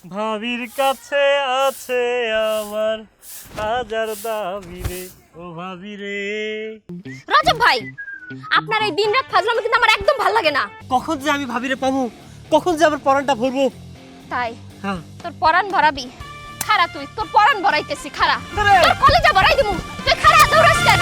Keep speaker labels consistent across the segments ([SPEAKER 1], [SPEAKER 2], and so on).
[SPEAKER 1] ভাবির কাছে আছে আমার হাজার দাবি রে ও ভাবি রে।
[SPEAKER 2] রজব ভাই, আপনার এই দিনরাত ফাজলামি কিন্তু আমার একদম ভালো লাগে না।
[SPEAKER 1] কখন যে আমি ভাবিরে পাবো, কখন যে আমার পরানটা ভরবো।
[SPEAKER 2] তাই
[SPEAKER 1] হ্যাঁ,
[SPEAKER 2] তোর পরাণ ভরাবি? খারা তুই, তোর পরাণ ভরাইতেছি খারা।
[SPEAKER 1] আরে!
[SPEAKER 2] তোর কলেজা ভরাই দিমু, তুই খারা দৌড়াস কেন?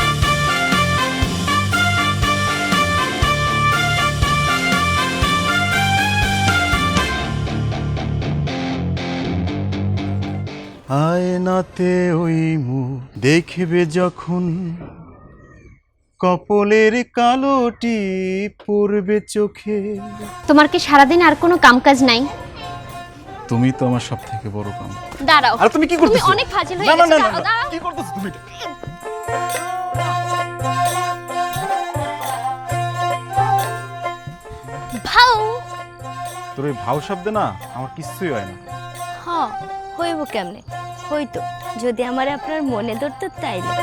[SPEAKER 3] আয়নাতে ওই মুখ দেখবে যখন, কপলের কালোটি পড়বে চোখে।
[SPEAKER 2] তোমার কি সারাদিন আর কোনো কামকাজ নাই?
[SPEAKER 3] তুমি তো আমার সব থেকে বড় কাম।
[SPEAKER 2] দাঁড়াও,
[SPEAKER 3] আর তুমি কি
[SPEAKER 2] তুমি
[SPEAKER 3] করতেছো?
[SPEAKER 2] অনেক ফাজিল হয়ে
[SPEAKER 3] না না
[SPEAKER 2] গেছো।
[SPEAKER 3] না
[SPEAKER 2] দাঁড়াও, দাঁড়াও।
[SPEAKER 3] কি করতেছো তুমি?
[SPEAKER 2] ভাও
[SPEAKER 3] তোর এই ভাও শব্দে না আমার কিছুই হয় না।
[SPEAKER 4] হ্যাঁ, হইব কেমনে? হইতো যদি আমার আপনার মনে ধরতো তাইলে।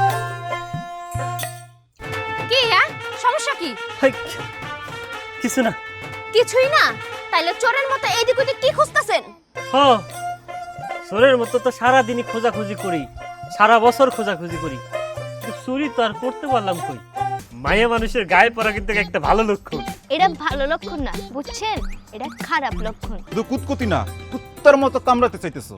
[SPEAKER 2] কি হ্যাঁ, সমস্যা কি?
[SPEAKER 1] হাই, কিছু না।
[SPEAKER 2] কিছুই না? তাইলে চোরের মতো এইদিক ওইদিক কি খুঁজতেছেন?
[SPEAKER 1] হ্যাঁ, চোরের মতো তো সারাদিনই খোঁজাখুঁজি করি, সারা বছর খোঁজাখুঁজি করি, কিন্তু চুরি তো আর করতে পারলাম কই। মায়া মানুষের গায়ে পড়া কিন্তু একটা ভালো লক্ষণ।
[SPEAKER 4] এটা ভালো লক্ষণ না, বুঝছেন? এটা খারাপ লক্ষণ।
[SPEAKER 3] শুধু কুতকুতি না, কুত্তার মতো কামড়াতে চাইতেছো।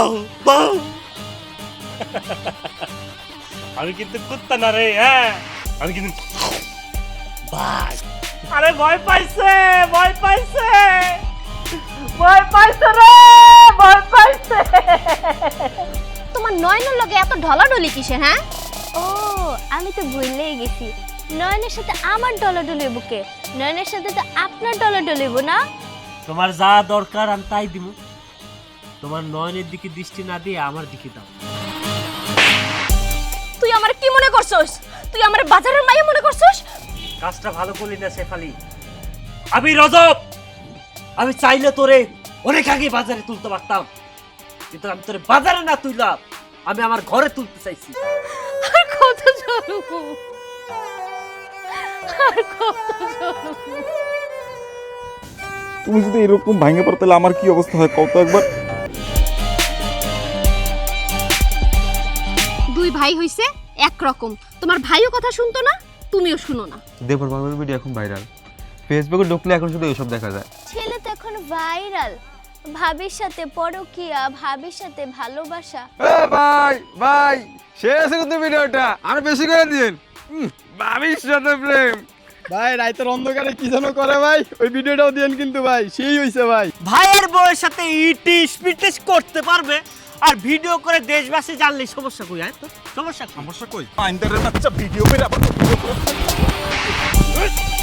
[SPEAKER 1] আমি কিন্তু কুত্তা না রে, হ্যাঁ আমি কিন্তু ভাই। আরে ভয় পাইছে, ভয় পাইছে, ভয় পাইছে রে, ভয় পাইছে।
[SPEAKER 2] তোমার নয়নের লগে এত ঢলাঢলি কিসে হ্যাঁ?
[SPEAKER 4] ও, আমি তো ভুললেই গেছি। নয়নের সাথে আমার ডলাডলি বুকে, নয়নের সাথে তো আপনার ডলাডলিব না।
[SPEAKER 1] তোমার যা দরকার আমি তাই দিব, তোমার নয়নের দিকে দৃষ্টি না দিয়ে আমার দিকে দাও।
[SPEAKER 2] তুই আমার কি মনে করছস? তুই আমার বাজারের মাইয়া মনে করছস?
[SPEAKER 1] কাজটা ভালো করলি না শেফালি। আমি রজব, আমি চাইলে তোরে অনেক আগে বাজারে তুলতে পারতাম, কিন্তু আমি তোরে বাজারে না তুললাম, আমি আমার ঘরে তুলতে চাইছি।
[SPEAKER 2] আর কত জ্বলবো, আর কত জ্বলবো।
[SPEAKER 3] তুমি যদি এরকম ভাঙে পড়ো তাহলে আমার কি অবস্থা হয় কত একবার।
[SPEAKER 2] দুই ভাই হইছে একরকম, তোমার ভাইও কথা শুনতো না, তুমিও শুনো না।
[SPEAKER 5] দেবর বাবার ভিডিও এখন ভাইরাল, ফেসবুকে ঢুকলে এখন শুধু এইসব দেখা যায়।
[SPEAKER 4] ছেলে তো এখন ভাইরাল, ভাবির সাথে পরকিয়া, ভাবির সাথে ভালোবাসা।
[SPEAKER 5] ভাই ভাই শেষ আছে কিন্তু ভিডিওটা, আর বেশি করে দিন। ভাবির সাথে প্রেম।
[SPEAKER 6] ভাই রাইতের অন্ধকারে কি যেন করে ভাই, ওই ভিডিওটাও দিয়েন কিন্তু ভাই, সেই হইছে ভাই।
[SPEAKER 1] ভাইয়ের বউয়ের সাথে ইটিস পিটিস করতে পারবে আর ভিডিও করে দেশবাসী জানলে সমস্যা কই? হ্যাঁ তো সমস্যা
[SPEAKER 3] সমস্যা কই? আইনদারের বাচ্চা ভিডিও করে আবার